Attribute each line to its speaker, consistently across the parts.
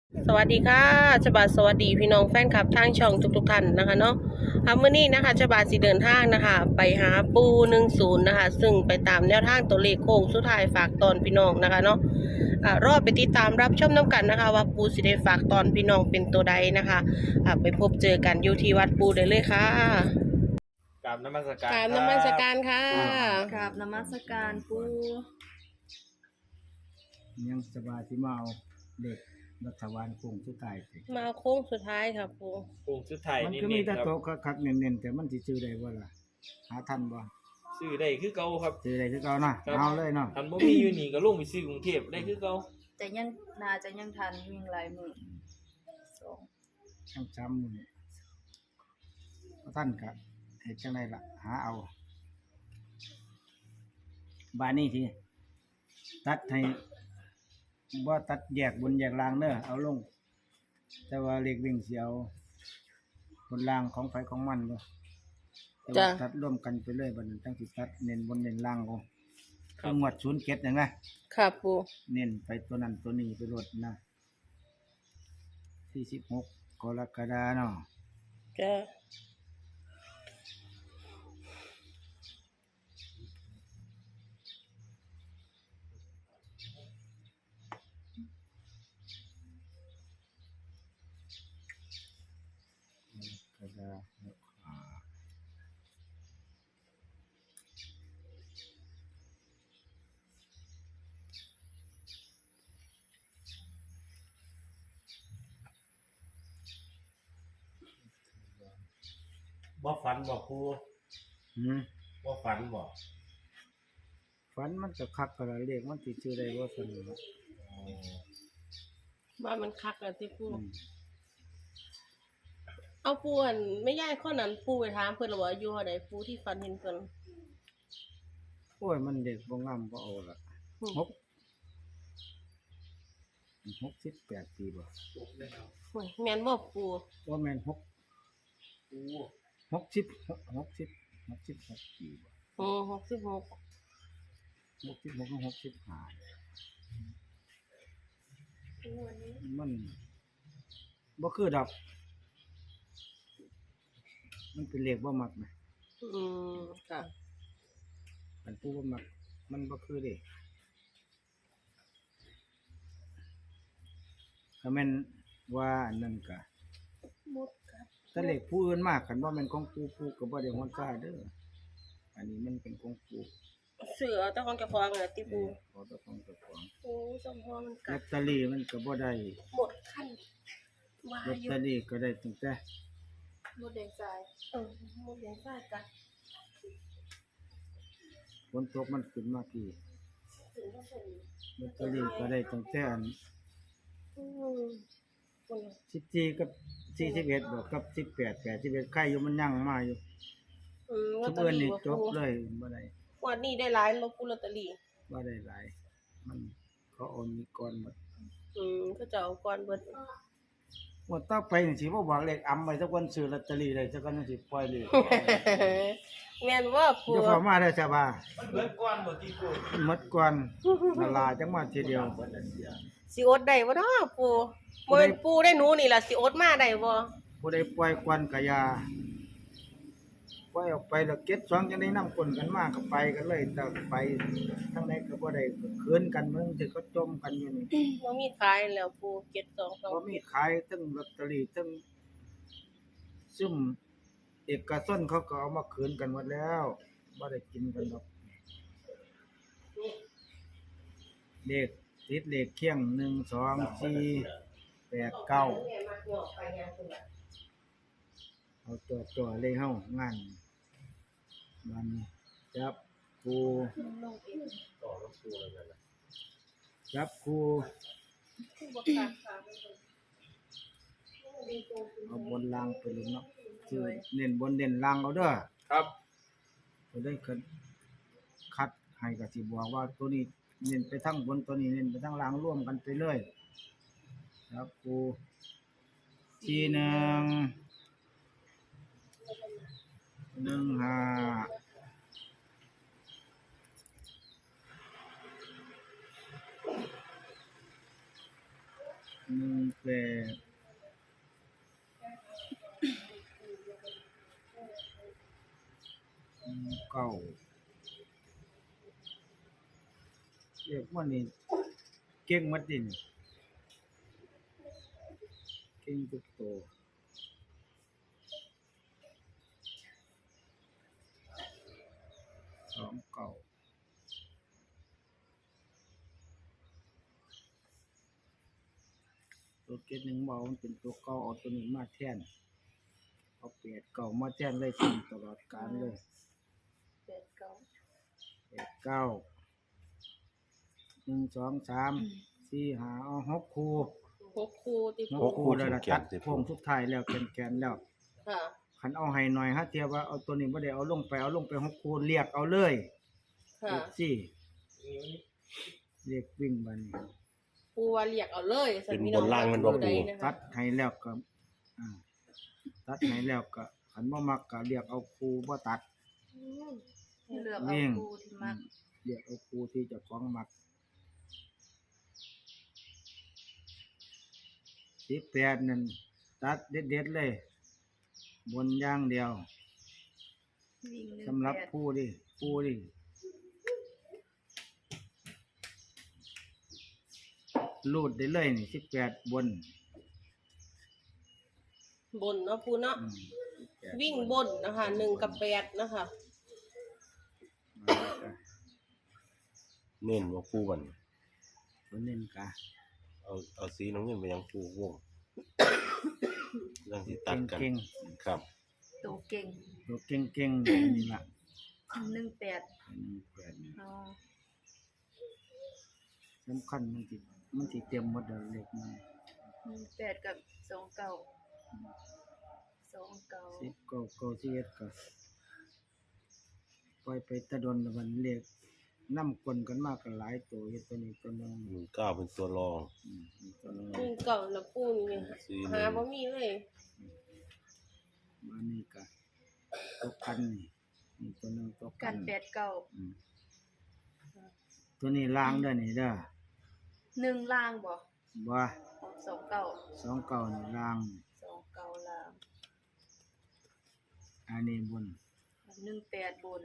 Speaker 1: สวัสดีค่ะฉบับสวัสดีพี่น้องแฟนคลับทางช่องทุกท่านนะคะเนาะมื้อนี้นะคะฉบับสิเดินทางนะคะไปหาปู10นะคะซึ่งไปตามแนวทางตัวเลขโค้งสุดท้ายฝากตอนพี่น้องนะคะเนาะรอไปติดตามรับชมน้ำกันนะคะว่าปูสิได้ฝากตอนพี่น้องเป็นตัวใดนะคะไปพบเจอกันอยู่ที่วัดปูได้เลยค่ะ
Speaker 2: กราบนมัสการ
Speaker 1: กราบ
Speaker 2: ครั
Speaker 1: นมัส
Speaker 2: บ
Speaker 1: การค่ะ
Speaker 3: กราบนมัสการปู
Speaker 4: ยังสบายที่มาเอาเด็กรัฐบาลคงสุดท้ายสิ
Speaker 1: มาโค้งสุดท้ายค่ะปู
Speaker 2: ปรุงชุดไทย
Speaker 4: มัน
Speaker 2: นี่
Speaker 4: ก็มี
Speaker 2: นี่
Speaker 4: แต่
Speaker 2: ครับ
Speaker 4: โตะคักๆเน้นๆแต่มันสิซื้อได้บ่ล่ะหาทันบ่
Speaker 2: ซื้อได้คือเก่าครับ
Speaker 4: ซื้อได้คือเก่าเนาะ
Speaker 2: ครับ
Speaker 4: เอาเลยเนาะ
Speaker 2: ทันบ่มีอยู่นี่ก็ลงไปซื้อกรุงเทพได้คือเก่า
Speaker 3: จะยังน่าจะยังทันวิ่งหลายมือสอง
Speaker 4: ทั้งจำมื้อบ่ทันก็เฮ็ดจังไดล่ะหาเอาบ้านนี้สิตัดให้บ่ตัดแยกบนแยกล่างเด้อเอาลง แต่ว่าเลขวิ่งสิเอาบนล่างของไฟของมันเด้อแต่ว่าตัดร่วมกันไปเลยบัดนี้ตั้งสิตัดเน้นบนเน้นล่างเอาคืองวด07นั่นนะ
Speaker 1: ค่ะปู
Speaker 4: เน้นไปตัวนั้นตัวนี้ไปรดนะ46กรกฎาเนาะ
Speaker 1: จ้ะ
Speaker 4: กรกฎาอ่า
Speaker 2: บ่ฝันบ่ครู
Speaker 4: หืม
Speaker 2: บ่ฝันบ่
Speaker 4: ฝันมันก็คักกระเลขมันสิชื่อได้บ่ซั่นเนาะ
Speaker 1: ว่ามันคักอะที่ปู
Speaker 4: อืม
Speaker 1: เอาปูอันไม่ย่ายข้อนั้นปูไปถามเพิ่นหรอว่าอายู่เท่าใดปูที่ฟันเห็นเพิ่น
Speaker 4: โอ้ยมันเด็กบ่งามบ่เอาล่ะหก68ปีบ่
Speaker 1: โอ้ยแม่นบ่ปู
Speaker 4: บ่แม่น6
Speaker 2: ครู
Speaker 4: 60 60 66ปีบ่
Speaker 1: อือ66
Speaker 4: 66ถึง65มันบ่คือดอกมันเป็นเลขบ่มักนะ
Speaker 1: อืมค่ะ
Speaker 4: อันผู้บ่มักมันบ่คือเด้ถ้าแม่นว่าอันนั้นก็
Speaker 1: หมดครับ
Speaker 4: ถ้าเลขผู้อื่นมากคันว่าแม่นของผู้ก็บ่ได้ฮ้อนซ่าเด้ออันนี้มันเป็นของผู้
Speaker 1: เสือเอาแต่ของเจ้าของน่ะติปู
Speaker 4: ขอเจ้าของเจ้าของ
Speaker 1: โอ้สมพอมัน
Speaker 4: ล
Speaker 1: กั
Speaker 4: อ
Speaker 1: ด
Speaker 4: ตเตอรี่มันก็บ่ได้
Speaker 1: หมดขั้นว่า
Speaker 4: ลอต
Speaker 1: อยู่
Speaker 4: เตอรี่ก็ได้ตั้งแต่
Speaker 3: มดแดงทราย
Speaker 1: หมดแดงซ่ากัด
Speaker 4: ฝนตกมันขึ้นมากี่
Speaker 1: ถึงก็เป็น
Speaker 4: ลอตเตอรี่ก็ได้ตั้งแต่อัน
Speaker 1: อืมคนละ
Speaker 4: 14กับ41บ่กับ18 81ใครอยู่มันยังมาอยู่
Speaker 1: ลอ
Speaker 4: ทุ
Speaker 1: ต
Speaker 4: ก
Speaker 1: เตอ
Speaker 4: เอิ้น
Speaker 1: รี่
Speaker 4: นี่
Speaker 1: บ่
Speaker 4: จ
Speaker 1: ปู
Speaker 4: บเลยบ่ได้
Speaker 1: วันนี้ได้หลายบ่ปูลอตเตอรี่
Speaker 4: บ่ได้หลายมันเขาโอนมีก่อนหมด
Speaker 1: ก็จะเอาก่อนเบิด
Speaker 4: ว่าต่อไปนี่สิบ่บอกเลขอำไว้สักวันซื้อลอตเตอรี่ได้สักวันสิปล่อยเลข
Speaker 1: แม่นว่าปู
Speaker 4: เดี๋ยวเข้ามาได้อจ้าบ่า
Speaker 2: มันเบิดก่อนบ่ที่ครู
Speaker 4: หมดก่อนละลาจังมาทีเดียว
Speaker 1: สิอดได้บ่เนาะปูบ่เป็นปูได้หนูนี่ล่ะสิอดมาได้บ่
Speaker 4: ผู้ใดปล่อยควันกะยาปล่อยออกไปแล้วเก็บสองจังได้นำคนกันมาก็ไปกันเลยแต่ไปทางใดก็บ่ได้คืนกันมึงสิก็จมกันอยู่นี่
Speaker 1: บ่มีขายแล้วปูเก็บ2
Speaker 4: บ่มีขายทั้งลอตเตอรี่ทั้งซุ่มเอกชนเขาก็เอามาคืนกันหมดแล้วบ่ได้กินกันดอกเลขติดเลขเคียง1 2 4 8 9เอาตัวเลยเฮางานมันจับครูจับครูเอาบนล่างไปเลยเนาะคือเน้นบนเน้นล่างเอาเด้อ
Speaker 2: ครับ
Speaker 4: จะได้คัดให้ก็สิบอกว่าตัวนี้เน้นไปทั้งบนตัวนี้เน้นไปทั้งล่างร่วมกันไปเลยครับครูทีหนึ่ง15 18เก้าเรียกว่านี่เก่งหมดดินเก่งทุกตัว2 เก้าตัวเก็ดหนึ่งเบามันเป็นตัวเก่าเอาตัวนี้มาแทนเอา8 เก้ามาแทนเลยตลอดกาลเลย
Speaker 3: 8 9
Speaker 4: 8 9 1 2 3 4 5เอา6คู่
Speaker 1: 6คู่ที่
Speaker 4: ห
Speaker 1: ปู
Speaker 4: กคู่แล้วล่ะตัดโค้งสุดท้ายแล้วแกนแล้ว
Speaker 1: ค่ะ
Speaker 4: คันเอาให้หน่อยฮะเทียบว่าเอาตัวนี้บ่ได้เอาลงไป6คู่เรียกเอาเลย
Speaker 1: ค่ะ
Speaker 4: สิเรียกวิ่งบัดนี้
Speaker 1: ปูว่าเรียกเอาเลยสั
Speaker 2: เป็น
Speaker 1: พี่
Speaker 2: บ
Speaker 1: น้อง
Speaker 2: นล่างมันบ่
Speaker 1: ใด
Speaker 2: ปู
Speaker 1: นะคะ
Speaker 4: ตัดให้แล้วก็อ่าตัดให้แล้วก็คันบ่มักก็เรียกเอาคู่บ่ตัด
Speaker 3: ให้เลือกเอา
Speaker 4: วิ่ง
Speaker 3: คู่ที่มัก
Speaker 4: เรียกเอาคู่ที่เจ้าของมัก18นั่นตัดเด็ดๆเลย บนอย่างเดียว
Speaker 3: วิ่ง1
Speaker 4: สำหรับ
Speaker 3: 8
Speaker 4: ผู้ดิรูดได้เลยนี่18บน
Speaker 1: บนเนาะปูเนาะ
Speaker 4: 18
Speaker 1: วิ่งบนนะคะ1 กับ 8นะคะ
Speaker 2: เน้นบ่ปูบัดน
Speaker 4: ตัวเน้นกะ
Speaker 2: เอาสีน้ำเงินไปยังปูวงเรื่องที่ตัดกัน
Speaker 4: เก่ง
Speaker 2: ครับ
Speaker 3: ตัวเก่ง
Speaker 4: ๆตัวเก่งๆนี่ล่ะ
Speaker 3: 18
Speaker 4: 18นี่
Speaker 3: อ๋อ
Speaker 4: สำคัญมันสิเต็มหมดแล้วเลขมัน
Speaker 3: 18กับ29
Speaker 4: 10ก็11ก็ปล่อยไปตะดนแล้วมันเลขนำคนกันมากก็หลายตัวอยู่ตัวนี้ตัวนึง
Speaker 2: 9เป็นตัวรอง
Speaker 4: ตัวนึง
Speaker 1: วิ่งเก่าแล้วปูนี่
Speaker 2: สี
Speaker 1: หาบ่มีเลย
Speaker 4: มานี่ก็ตัวกันนี่ตัวนึงตัว
Speaker 3: กัน
Speaker 4: อืมตัวนี้ล้างเด้อนี่เด้อ
Speaker 3: 1ล่างบ่
Speaker 4: บ่
Speaker 3: 29
Speaker 4: 2เก่านี่ล้าง
Speaker 3: 29ล่าง
Speaker 4: อันนี้บน
Speaker 3: 18บน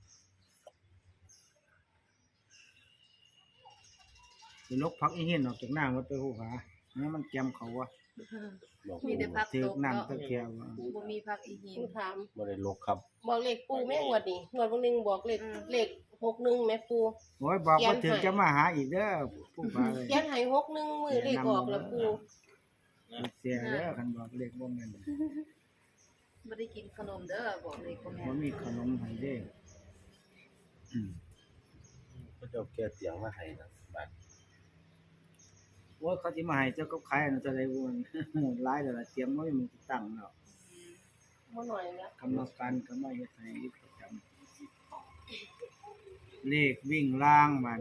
Speaker 4: สิลกพักอีเห็นออกจากน้ำวัดไปหูหาเนี่ยมันแกมเขาวะ
Speaker 2: บอก
Speaker 3: มีแต่พัก
Speaker 4: ถือ
Speaker 3: ตก
Speaker 4: น้ำ
Speaker 3: เนาะ
Speaker 4: ตะเกียบวะ
Speaker 3: บ่มีพักอีหิน
Speaker 1: ปูถาม
Speaker 2: บ่ได้ลกครับ
Speaker 1: บอกเลขปูแม่งวดนี่งวดวันหนึงบอกเลข61แม่ปู
Speaker 4: โอ้ยบอกว่า
Speaker 1: เขียนให้
Speaker 4: ถึงจะมาหาอีกเด้อผู้ฟ้าเลย
Speaker 1: เขียนให้61มือเลขออกแล้วปู
Speaker 4: เสียเด้อคันบอกเลขบ่แม่น
Speaker 3: บ่ได้กินขนมเด้อบอกเลยบ่แม่
Speaker 4: บ่
Speaker 3: น
Speaker 4: มีขนมให้เด้อืม
Speaker 2: ก็จะเอาแก้เตียงมาให้นะบัด
Speaker 4: โอ้ยเขาสิมาให้เจ้าก็ขายอันจะได้บ่มัน หลายแล้วล่ะเตรียมไว้มันสิตั้งแล้ว
Speaker 1: บ่หน่อยนะ
Speaker 4: กรรมการก็มาเฮ็ดให้ประจำเลขวิ่งล่างมัน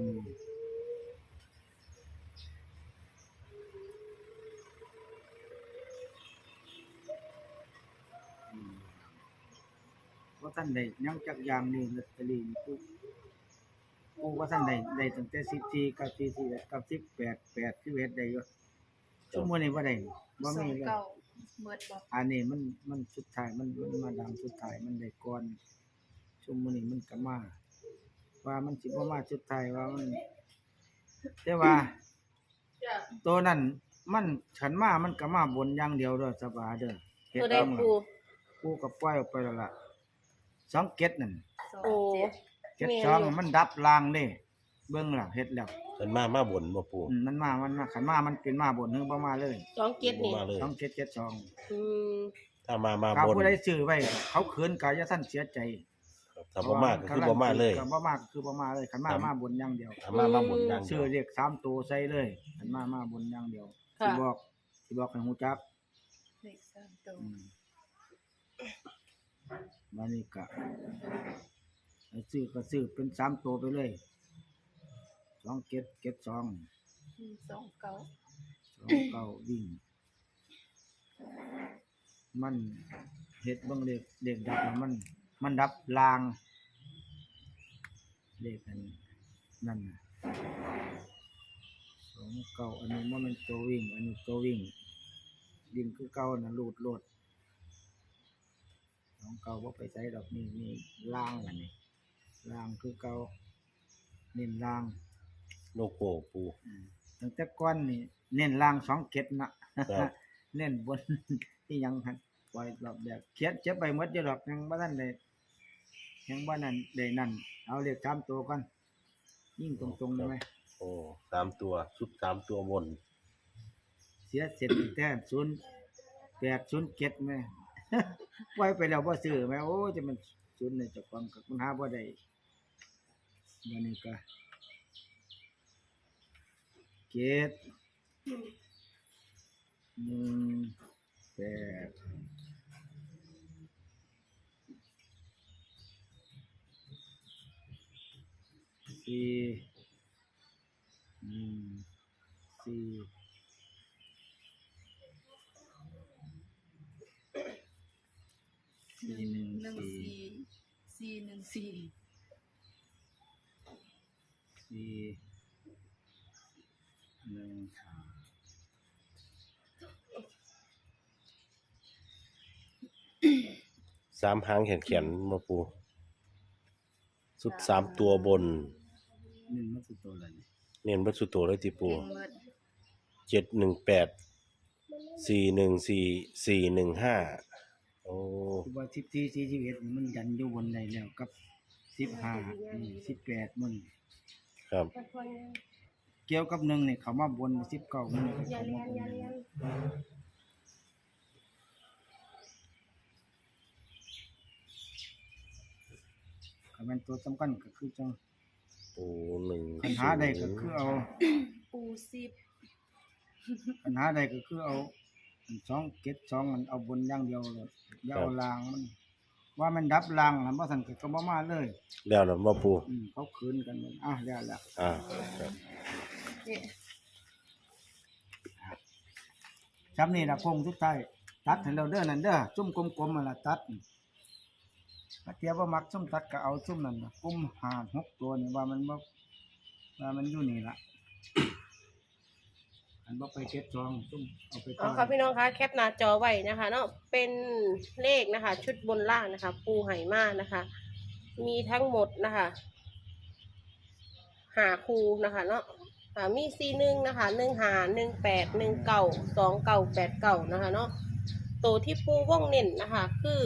Speaker 4: ว่าท่านใดยังจักอย่างนี่ลอตเตอรี่นี่กูว่าท่านใดได้ตั้งแต่14กับ44กับ18 8 11ได้อยู่ชั่วโมงนี้บ่ได้บ่มีเลย
Speaker 3: 29เมิดบ่
Speaker 4: อันนี้มันสุดท้ายมันมาดังสุดท้ายมันได้ก่อนชั่วโมงนี้มันก็มาว่ามันสิบ่มาสุดท้ายว่ามันแต่ว่า
Speaker 1: จ้ะ
Speaker 4: ตัวนั้นมันฉันมามันก็มาบนอย่างเดียวเด้อสบายเด้อเฮ็ด
Speaker 1: ตัวใด
Speaker 4: เอาล่ะ
Speaker 1: ปู
Speaker 4: กูก็ปล่อยออกไปแล้วล่ะ2เก็ดนั่น
Speaker 1: โอ้
Speaker 3: 27
Speaker 4: เก็ด2มันดับล่างเด้เบิ่งล่ะเฮ็ดแล้ว
Speaker 2: เพิ่นมาบ่นบ่ปู
Speaker 4: มันมาขันมามันเป็นมาบนเฮือบ่มาเลย
Speaker 1: 27นี่
Speaker 2: มาเลย
Speaker 4: 2เก็ด7 2
Speaker 1: อืม
Speaker 2: ถ้ามา
Speaker 4: ถ้า
Speaker 2: บน
Speaker 4: ผู้ใดซื้อไว้เขาเขินก็อย่าท่านเสียใจ
Speaker 2: ถ้าบ่มาก็คือบ่มาเลย
Speaker 4: ก็บ่มาก็คือบ่มาเลยขันมามาบนอย่างเดียว
Speaker 2: ถ้ามาบนอย่างเดี
Speaker 4: ซื้
Speaker 2: ย
Speaker 4: อ
Speaker 2: ว
Speaker 4: เลข3ตัวใส่เลยขันมาบนอย่างเดียวสิ
Speaker 1: ค่ะ
Speaker 4: บอกให้ฮู้จัก
Speaker 3: เลข3ตัว
Speaker 4: มานี่ก็ให้ซื้อก็ซื้อเป็น3ตัวไปเลย2เก็ดเก็ด2
Speaker 3: 29
Speaker 4: 2เก้าวิ่งมันเฮ็ดเบิ่งเลขดับแล้วมันดับลางเลขอันนั่นน่ะ 29อันนี้บ่แม่นตัววิ่งอันนี้ตัววิ่งคือเก่าน่ะลูดโลด29บ่ไปไสดอกนี่ล่างอันนี้ล่างคือเก่าเน้นล่าง
Speaker 2: โลโก้ปู
Speaker 4: ตั้งแต่ก่อนนี่เน้นล่าง2เก็ดนะครับ เน้นบน ที่ยังหั่นปล่อยรอบแบบเขียนเจ็บไปหมดอยู่ดอกยังบ่ทันได้ยังบ่นั่นได้นั่นเอาเลข3ตัวก่อนยิ่งตรงๆได้ไหม
Speaker 2: โอ้3ตัวชุด3ตัวบน
Speaker 4: เสียเสร็จแต้ม0807แม่ ปล่อยไปแล้วบ่ซื้อแม่โอ้จะมันศูนย์ในเจ้าของก็มันหาบ่ได้บัดนี้ก็เกต
Speaker 2: 3หางแขนๆมาปูชุด3ตัวบน
Speaker 4: นี่มันคือตัวอะไรนี่
Speaker 2: เน้นเบิดสุดตัวเลยติปู
Speaker 3: เก่งหมด
Speaker 2: 718 414 415โอ้
Speaker 4: คือว่า14 41มันยันอยู่บนได้แล้วกับ15 18มัน
Speaker 2: ครับ
Speaker 4: เกี่ยวกับ1นี่เขามาบน19มันก็เข้ามาบนเลยก็แม่นตัวสำคัญก็คือจัง
Speaker 2: ปู1
Speaker 4: ปัญหาใดก็คือเอา
Speaker 3: ปูซิบ
Speaker 4: ปัญหาใดก็คือเอา2เก็ด2อันเอาบนอย่างเดียวเลยอย่าเอาล่างมันว่ามันดับล่างน่ะบ่ซั่นก็บ่มาเลย
Speaker 2: แล้วล่ะมาปู
Speaker 4: เขาคืนกันหมดแล้วล่ะ
Speaker 2: ครับ
Speaker 3: เนี่ย
Speaker 4: จำนี่ล่ะพงสุดท้ายตัดให้เราเด้อนั่นเด้อจุ่มกลมๆนั่นล่ะตัดถ้าเทียบว่ามักซุ่มตัดก็เอาซุ่มนั่นน่ะกลม5 6ตัวนี่ว่ามันบ่ว่ามันอยู่นี่ล่ะอันบ่ไปเก็ดซองซุ่มเอาไป
Speaker 1: เอาค่ะพี่น้องคะแคปหน้าจอไว้นะคะเนาะเป็นเลขนะคะ ชุดบนล่างนะคะ ปูไหมานะคะ มีทั้งหมดนะคะ5คู่นะคะเนาะมี41นะคะ15 18 19 29 89นะคะเนาะตัวที่ปูว่องเน้นนะคะ คือ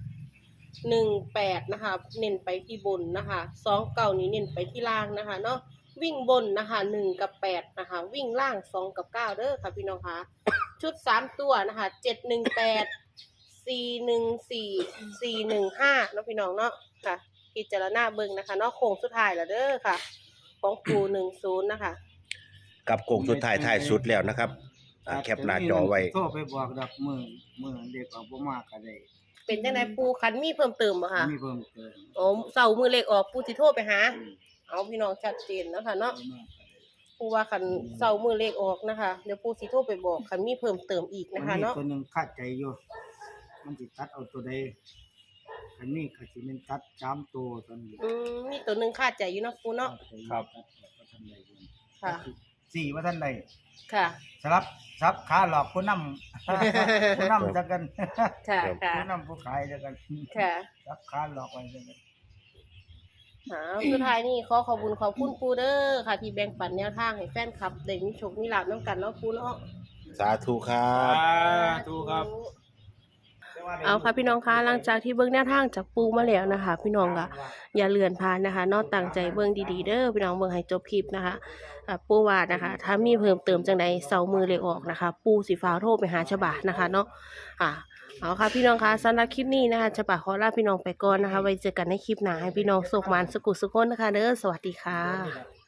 Speaker 1: 18นะคะเน้นไปที่บนนะคะ29นี้เน้นไปที่ล่างนะคะเนาะวิ่งบนนะคะ1กับ8นะคะวิ่งล่าง2กับ9เด้อค่ะพี่น้องคะ ชุด3ตัวนะคะ718 414 415เนาะพี่น้องเนาะค่ะพิจารณาเบิ่งนะคะเนาะโค้งสุดท้ายแล้วเด้อค่ะ ของปู10นะคะ
Speaker 2: กับโกงสุดท้ายท้ายสุดแล้วนะครับแคปหน้าจอไว้
Speaker 4: โทรไปบอกดอกมื้อเด็กออกบ่มาก็ได้
Speaker 1: เป็นจังไดปูคันมีเพิ่มเติมบ่คะ
Speaker 4: มีเพิ่มเติม
Speaker 1: โอ้เสาร์มือเลขออกปูสิโทรไปหาเอาพี่น้องชัดเจนนะคะเนาะ ปูว่าคันเสาร์มือเลขออกนะคะเดี๋ยวปูสิโทรไปบอกคันมีเพิ่มเติมอีกนะคะเนาะ
Speaker 4: ตัวหนึงคาดใจอยู่มันสิตัดเอาตัวใดอันนี้ก็สิแม่นตัด3ตัวตอนนี้
Speaker 1: มีตัวหนึงคาดใจอยู่เนาะปูเนาะ
Speaker 2: ครับ
Speaker 1: ค่ะ
Speaker 4: 4ว่าท่านใด
Speaker 1: ค่ะ
Speaker 4: สลับซับขาหลอกผู้นำ ผู้นำจักกัน
Speaker 1: ค่ะค่ะ
Speaker 4: ผู้นำผู้ขายจักกัน
Speaker 1: ค่ะ
Speaker 4: ซับขาหลอกไว้จักกัน
Speaker 1: สุดท้ายนี่ขอขอบคุณปูเด้อค่ะ ที่แบ่งปันแนวทางให้แฟนคลับได้มีโชคมีลาภนํกันเนาะปูเนาะ
Speaker 2: สาธุครับ
Speaker 4: ถูกครับ
Speaker 1: เอาค่ะพี่น้องคะหลังจากที่เบิ่งแนวทางจากปูมาแล้วนะคะ พี่น้องก็อย่าเลื่อนผ่านนะคะเนอกตั้งใจเบิ่งดีๆเด้อพี่น้องเบิ่งให้จบคลิปนะคะปูว่านะคะ ถ้ามีเพิ่มเติมจังใดเสามือเลขออกนะคะ ปูสิฟ้าวโทรไปหาฉบานะคะเนาะเอาค่ะพี่น้องคะสำหรับคลิปนี้นะคะฉบาขอลาพี่น้องไปก่อนนะคะไว้เจอกันในคลิปหน้าให้พี่น้องสุขมันสุขสุขคนนะคะเด้อสวัสดีค่ะ